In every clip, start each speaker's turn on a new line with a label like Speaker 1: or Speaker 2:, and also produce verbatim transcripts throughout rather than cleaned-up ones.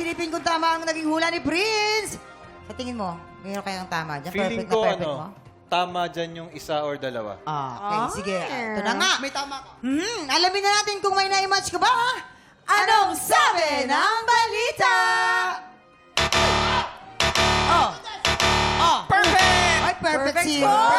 Speaker 1: Silipin kung tama ang naging hula ni Prince. Sa tingin mo, mayroon kayang tama dyan?
Speaker 2: Feeling
Speaker 1: Perfect
Speaker 2: ko,
Speaker 1: na perfect
Speaker 2: ano,
Speaker 1: mo?
Speaker 2: tama dyan yung isa or dalawa.
Speaker 1: Ah, okay, sige. Ito na nga.
Speaker 3: May tama ka.
Speaker 1: Hmm, alamin na natin kung may na-match ka ba. Anong sabi ng balita? Oh. Oh.
Speaker 3: Perfect!
Speaker 1: Ay, perfect,
Speaker 4: Perfect
Speaker 1: si...
Speaker 4: score!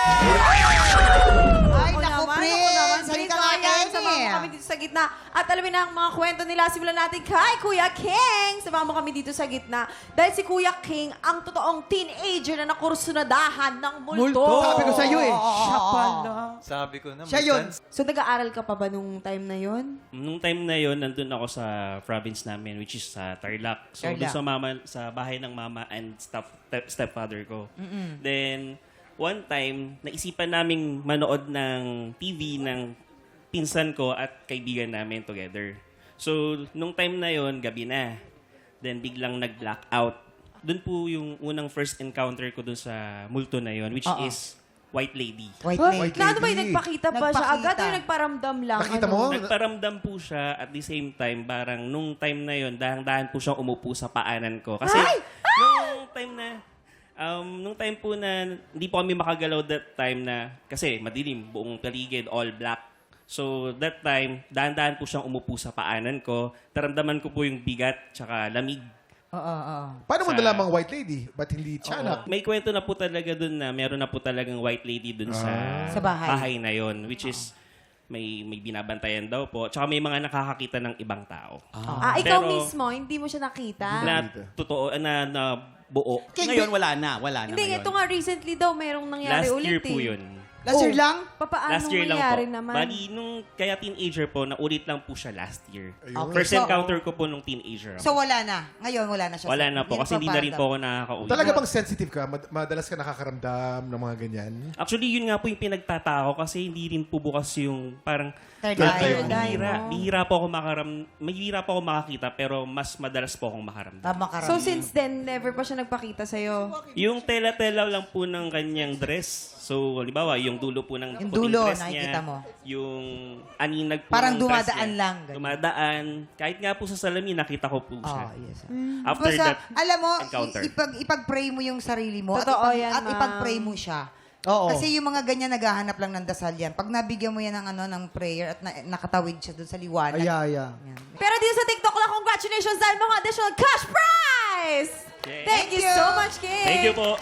Speaker 1: Ay,
Speaker 4: Ako
Speaker 1: naku,
Speaker 4: naman,
Speaker 1: Prince.
Speaker 4: ako naman.
Speaker 1: Halika
Speaker 4: Halika
Speaker 1: nga
Speaker 4: nga
Speaker 1: yan
Speaker 4: Samahan mo
Speaker 1: eh.
Speaker 4: kami dito sa gitna. At alamin na ang mga kwento nila. Simulan natin kay Kuya King. Samahan mo kami dito sa gitna. Dahil si Kuya King, ang totoong teenager na nakursunadahan ng multo.
Speaker 3: Multo. Sabi ko sa'yo eh.
Speaker 4: Siya pala.
Speaker 2: Sabi ko na,
Speaker 3: Siya
Speaker 2: may
Speaker 3: yun.
Speaker 2: chance.
Speaker 4: So, nag-aaral ka pa ba nung time na yon?
Speaker 5: Nung time na yon nandun ako sa province namin, which is sa Tarlac. So,
Speaker 1: Tarlac.
Speaker 5: doon sa, mama, sa bahay ng mama and step, stepfather ko. Then, one time, naisipan naming manood ng T V ng pinsan ko at kaibigan namin together. So, nung time na yon gabi na. Then, biglang nag-blackout. Doon po yung unang first encounter ko doon sa multo na yon, which
Speaker 1: Oo.
Speaker 5: is White Lady.
Speaker 1: White
Speaker 4: Huh?
Speaker 1: lady.
Speaker 3: White
Speaker 4: Na ano ba yung
Speaker 3: lady.
Speaker 4: nagpakita pa siya?
Speaker 1: Nagpakita.
Speaker 4: Agad yung nagparamdam lang?
Speaker 3: Nakita
Speaker 4: ano?
Speaker 3: mo?
Speaker 5: Nagparamdam po siya at the same time, parang nung time na yon dahan-dahan po siyang umupo sa paanan ko. Kasi nung time na, um, nung time po na hindi po kami makagalaw that time na, kasi madilim, buong paligid, all black. So that time, dahan-dahan po siyang umupo sa paanan ko. Taramdaman ko po yung bigat tsaka lamig.
Speaker 1: Oo, oo.
Speaker 3: Paano mo
Speaker 5: Sa-
Speaker 3: nalamang white lady? Ba't hindi tiyanak?
Speaker 5: May kwento na po talaga dun na meron na po talagang white lady dun sa,
Speaker 1: Sa bahay.
Speaker 5: na yon, which is may may binabantayan daw po. Tsaka may mga nakakakita ng ibang tao.
Speaker 4: Ah, ikaw
Speaker 5: Pero-
Speaker 4: mismo, hindi mo siya nakita?
Speaker 5: Na totoo, na, na buo.
Speaker 6: Ngayon, wala na. Wala na
Speaker 4: Hindi,
Speaker 6: ngayon.
Speaker 4: ito nga recently daw, merong nangyari
Speaker 5: Last
Speaker 4: ulit
Speaker 5: year po
Speaker 4: eh.
Speaker 5: yun.
Speaker 3: Last year
Speaker 4: Oh,
Speaker 3: lang?
Speaker 4: Papaano
Speaker 5: Last year lang po.
Speaker 4: nangyari naman?
Speaker 5: Bali, nung kaya teenager po, naulit lang po siya last year.
Speaker 3: Ayun.
Speaker 5: First
Speaker 1: So-
Speaker 5: encounter ko po nung teenager.
Speaker 1: So,
Speaker 5: ako.
Speaker 1: wala na. Ngayon, wala na siya.
Speaker 5: Wala na po kasi hindi na rin po
Speaker 1: paparamdam.
Speaker 5: ako nakakauwi.
Speaker 3: Talaga bang sensitive ka? Mad- madalas ka nakakaramdam ng mga ganyan?
Speaker 5: Actually, yun nga po yung pinagtatako kasi hindi rin po bukas yung parang
Speaker 1: Third
Speaker 3: Third
Speaker 1: eye.
Speaker 3: eye.
Speaker 5: bihira.
Speaker 4: mo.
Speaker 5: Bihira po ako makaram, bihira po ako makakita pero mas madalas po akong makaramdam.
Speaker 1: Tama ka
Speaker 4: So
Speaker 1: rin.
Speaker 4: since then, never pa siya nagpakita sa'yo?
Speaker 5: Yung tela-tela lang po ng kanyang dress. So, halimbawa, yung dulo po ng
Speaker 1: Yung
Speaker 5: puting
Speaker 1: dulo,
Speaker 5: dress
Speaker 1: nakikita
Speaker 5: niya,
Speaker 1: mo.
Speaker 5: Yung aninag po
Speaker 1: Parang
Speaker 5: ng dress
Speaker 1: dumadaan
Speaker 5: niya.
Speaker 1: lang, ganun.
Speaker 5: Dumadaan. Kahit nga po sa salamin, nakita ko po siya.
Speaker 1: Oh, yes.
Speaker 5: After
Speaker 1: Basta,
Speaker 5: that
Speaker 1: alam mo,
Speaker 5: encounter.
Speaker 1: i- ipag, ipag-pray mo yung sarili mo.
Speaker 4: Totoo
Speaker 1: at, ipag,
Speaker 4: yan,
Speaker 1: at
Speaker 4: ma'am.
Speaker 1: ipag-pray mo siya.
Speaker 3: Oo.
Speaker 1: Kasi yung mga ganyan naghahanap lang ng dasal yan. Pag nabigyan mo yan ng, ano, ng prayer at na, nakatawid siya doon sa liwanag.
Speaker 3: Ay, ay, ay.
Speaker 1: Yan.
Speaker 4: Pero dito sa TikTok lang, congratulations dahil mga additional cash prize!
Speaker 5: Yay.
Speaker 4: Thank you
Speaker 1: Thank you.
Speaker 4: so much, King!
Speaker 5: Thank you po.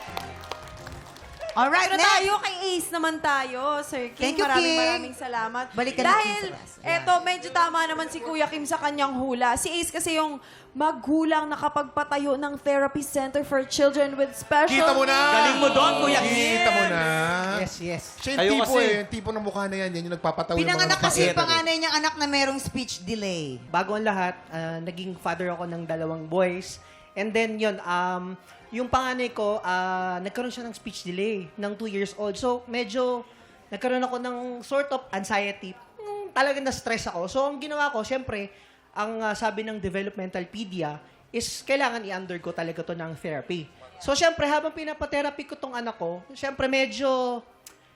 Speaker 1: Alright,
Speaker 4: Pero
Speaker 1: next.
Speaker 4: tayo, kay Ace naman tayo, Sir King.
Speaker 1: Thank you,
Speaker 4: maraming
Speaker 1: King.
Speaker 4: maraming salamat.
Speaker 1: Balik ka na,
Speaker 4: Dahil,
Speaker 1: King, sa class.
Speaker 4: eto, medyo tama naman si Kuya Kim sa kanyang hula. Si Ace kasi yung magulang na kapagpatayo ng Therapy Center for Children with Special
Speaker 3: Kita mo na!
Speaker 4: Needs.
Speaker 6: Galing mo doon, Kuya Kim.
Speaker 3: Kita mo na!
Speaker 6: Yes, yes.
Speaker 3: Siya yung
Speaker 2: Kayo
Speaker 3: tipo
Speaker 2: kasi-
Speaker 3: eh. Yung tipo ng mukha na yan. Yan yung nagpapatawa yung mga
Speaker 1: Pinanganak kasi
Speaker 3: mapait.
Speaker 1: yung panganay niyang anak na merong speech delay.
Speaker 7: Bago ang lahat, ah, naging father ako ng dalawang boys. And then yun, um, yung panganay ko, ah, nagkaroon siya ng speech delay ng two years old. So medyo nagkaroon ako ng sort of anxiety. Mm, talagang na-stress ako. So ang ginawa ko, syempre, ang ah, sabi ng developmentalpedia is kailangan i-undergo talaga to ng therapy. So syempre, habang pinapatherapy ko tong anak ko, syempre medyo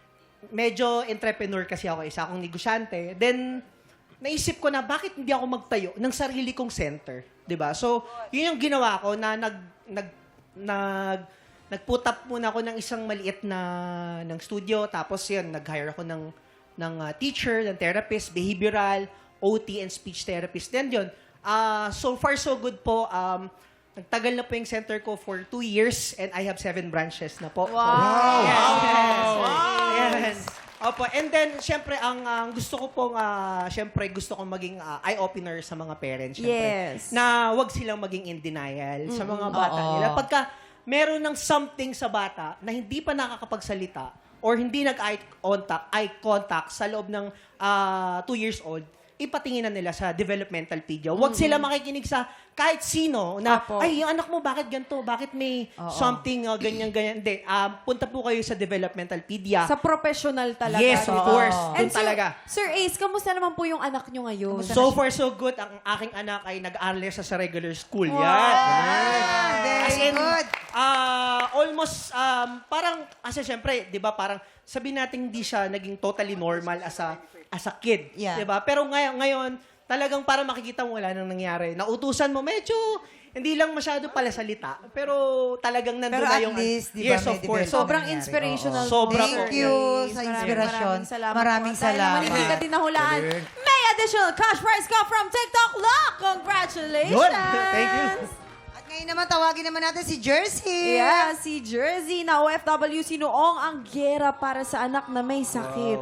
Speaker 7: medyo entrepreneur kasi ako, isa akong negosyante. Then, naisip ko na bakit hindi ako magtayo ng sarili kong center, 'di ba? So, yun yung ginawa ko na nag nag nag nag-put up muna ako ng isang maliit na ng studio, tapos yun, nag-hire ako ng ng uh, teacher, ng therapist, behavioral, O T and speech therapist. Then yun, ah so far so good po. Um nagtagal na po yung center ko for two years and I have seven branches na po. So,
Speaker 4: Wow!
Speaker 7: Yes. Yes. Opo, and then, syempre, ang ang gusto ko pong, ah, syempre, gusto kong maging ah, eye-opener sa mga parents, syempre.
Speaker 4: Yes.
Speaker 7: Na wag silang maging in denial sa mga bata
Speaker 1: Oo.
Speaker 7: nila. Pagka meron ng something sa bata na hindi pa nakakapagsalita or hindi nag-eye contact, eye contact sa loob ng ah, two years old, ipatinginan nila sa developmentalpedia. Huwag sila makikinig sa kahit sino na,
Speaker 4: Apo.
Speaker 7: ay, yung anak mo, bakit ganito? Bakit may something uh, ganyan-ganyan? Hindi. ah, punta po kayo sa developmentalpedia.
Speaker 4: Sa professional talaga.
Speaker 7: Yes, of
Speaker 4: di ba?
Speaker 7: course.
Speaker 4: And
Speaker 7: Doon
Speaker 4: sir,
Speaker 7: talaga.
Speaker 4: Sir Ace, kamusta naman po yung anak nyo ngayon?
Speaker 7: So far, so good. Ang aking anak ay nag-aaral siya sa regular school.
Speaker 4: Wow.
Speaker 7: Yan.
Speaker 1: Ah, very
Speaker 7: As in,
Speaker 1: good.
Speaker 7: ah, almost, um, parang, kasi syempre, di ba, parang, sabihin natin hindi siya naging totally normal as a, as a kid.
Speaker 1: Yeah.
Speaker 7: Di ba? Pero ngayon, ngayon, talagang para makikita mo wala nang nangyari. Nautusan mo, medyo hindi lang masyado pala salita, pero talagang nandun
Speaker 1: Pero
Speaker 7: na
Speaker 1: at
Speaker 7: yung...
Speaker 1: least, di ba,
Speaker 7: yes,
Speaker 1: may
Speaker 7: of course.
Speaker 1: development.
Speaker 4: Sobrang
Speaker 1: nangyari.
Speaker 4: inspirational.
Speaker 7: Oo. Sobra
Speaker 1: Thank
Speaker 7: po.
Speaker 1: you
Speaker 4: Yes,
Speaker 1: sa
Speaker 4: maraming,
Speaker 1: inspirasyon.
Speaker 4: Maraming salamat.
Speaker 1: Maraming
Speaker 4: po. Dahil naman
Speaker 1: salamat.
Speaker 4: hindi ka din nahulaan.
Speaker 3: Galing.
Speaker 4: May additional cash prize ka from TikTok Lock. Congratulations!
Speaker 7: Yun. Thank you.
Speaker 1: At ngayon naman, tawagin naman natin si Jersey.
Speaker 4: Yeah, si Jersey na O F W sinuong ang gera para sa anak na may sakit.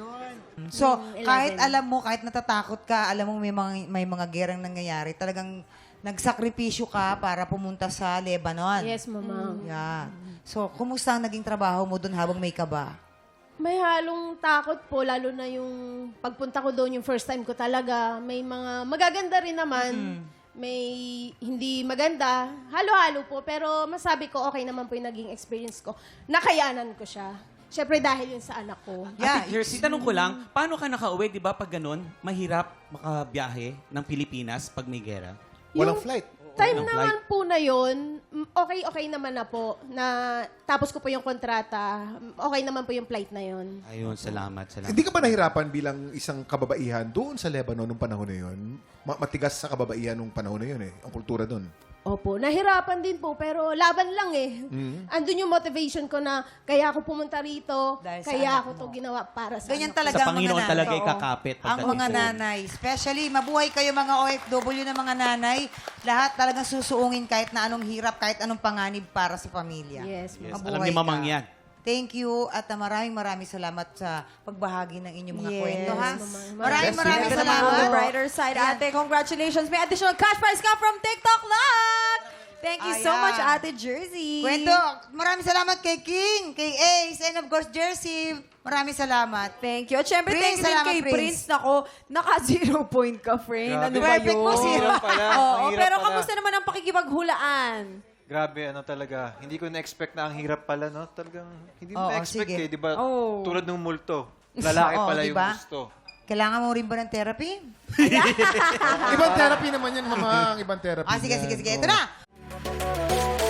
Speaker 1: So, kahit alam mo, kahit natatakot ka, alam mo may mga, may mga gerang nangyayari, talagang nagsakripisyo ka para pumunta sa Lebanon.
Speaker 8: Yes, mama.
Speaker 1: Yeah. So, kumusta ang naging trabaho mo doon habang may kaba?
Speaker 8: May halong takot po, lalo na yung pagpunta ko doon, yung first time ko talaga. May mga magaganda rin naman. May hindi maganda. Halo-halo po. Pero masabi ko, okay naman po yung naging experience ko. Nakayanan ko siya. Siyempre dahil yun sa anak ko.
Speaker 1: Yeah.
Speaker 6: Ate Jersey, tanong ko lang, paano ka nakauwi, di ba, pag ganun, mahirap makabiyahe ng Pilipinas pag may gera?
Speaker 3: Walang
Speaker 8: Yung
Speaker 3: flight.
Speaker 8: Time
Speaker 6: Walang
Speaker 8: naman po na yun, mm, okay-okay naman na po. Na tapos ko po yung kontrata, mm, okay naman po yung flight na yun.
Speaker 6: Ayun, salamat, salamat.
Speaker 3: Hindi ka ba nahirapan bilang isang kababaihan doon sa Lebanon nung panahon na yun? Ma- matigas sa kababaihan nung panahon na yun eh. Ang kultura doon.
Speaker 8: Opo, nahirapan din po, pero laban lang eh. Andun yung motivation ko na kaya ako pumunta rito,
Speaker 1: Dahil sa
Speaker 8: kaya
Speaker 1: anak
Speaker 8: ako to ginawa para sa
Speaker 1: Ganyan
Speaker 8: anak ko.
Speaker 1: talaga
Speaker 6: Sa
Speaker 1: ang mga
Speaker 6: Panginoon
Speaker 1: nanay.
Speaker 6: talaga
Speaker 1: Oo.
Speaker 6: ikakapit.
Speaker 1: Ang
Speaker 6: pagdating
Speaker 1: mga
Speaker 6: doon.
Speaker 1: nanay. Especially, mabuhay kayo mga O F W na mga nanay. Lahat talagang susuungin kahit na anong hirap, kahit anong panganib para sa pamilya.
Speaker 8: Yes,
Speaker 6: Yes,
Speaker 1: Mabuhay
Speaker 6: alam ni Mamang
Speaker 1: ka.
Speaker 6: yan.
Speaker 1: Thank you at uh, maraming maraming salamat sa pagbahagi ng inyong mga
Speaker 4: Yes,
Speaker 1: kwento, ha?
Speaker 8: Mama.
Speaker 1: Maraming
Speaker 3: Yes,
Speaker 1: maraming
Speaker 4: Ito naman
Speaker 1: salamat.
Speaker 4: on the brighter side,
Speaker 1: Ayan.
Speaker 4: ate. Congratulations. May additional cash prize ka from TikTok Lock. Thank you so
Speaker 1: Ayan.
Speaker 4: much, ate Jersey.
Speaker 1: Kwento, maraming salamat kay King, kay Ace, and of course, Jersey. Maraming salamat.
Speaker 4: Thank you. At syempre,
Speaker 1: Prince,
Speaker 4: thank you din
Speaker 1: salamat,
Speaker 4: kay
Speaker 1: Prince.
Speaker 4: Prince. Nako, naka-zero point ka, friend.
Speaker 2: Grabe.
Speaker 4: Ano ba
Speaker 1: Perfect
Speaker 4: yun?
Speaker 1: mo, zero.
Speaker 2: Mahirap pala.
Speaker 4: Oo,
Speaker 2: Mahirap
Speaker 4: pero
Speaker 2: pala.
Speaker 4: kamusta naman ang pakikipaghulaan?
Speaker 2: Grabe, ano talaga. Hindi ko na-expect na ang hirap pala, no? Talagang, hindi mo
Speaker 1: Oo,
Speaker 2: na-expect
Speaker 1: sige.
Speaker 2: eh. Di ba?
Speaker 4: Oo.
Speaker 2: Tulad ng multo. Lalaki
Speaker 1: Oo,
Speaker 2: pala
Speaker 1: di
Speaker 2: yung
Speaker 1: ba?
Speaker 2: gusto.
Speaker 1: Kailangan mo rin ba ng therapy?
Speaker 3: Ibang therapy naman yan, mga ibang therapy.
Speaker 1: Ah, sige,
Speaker 3: yan.
Speaker 1: sige, sige.
Speaker 3: Oo.
Speaker 1: Ito na.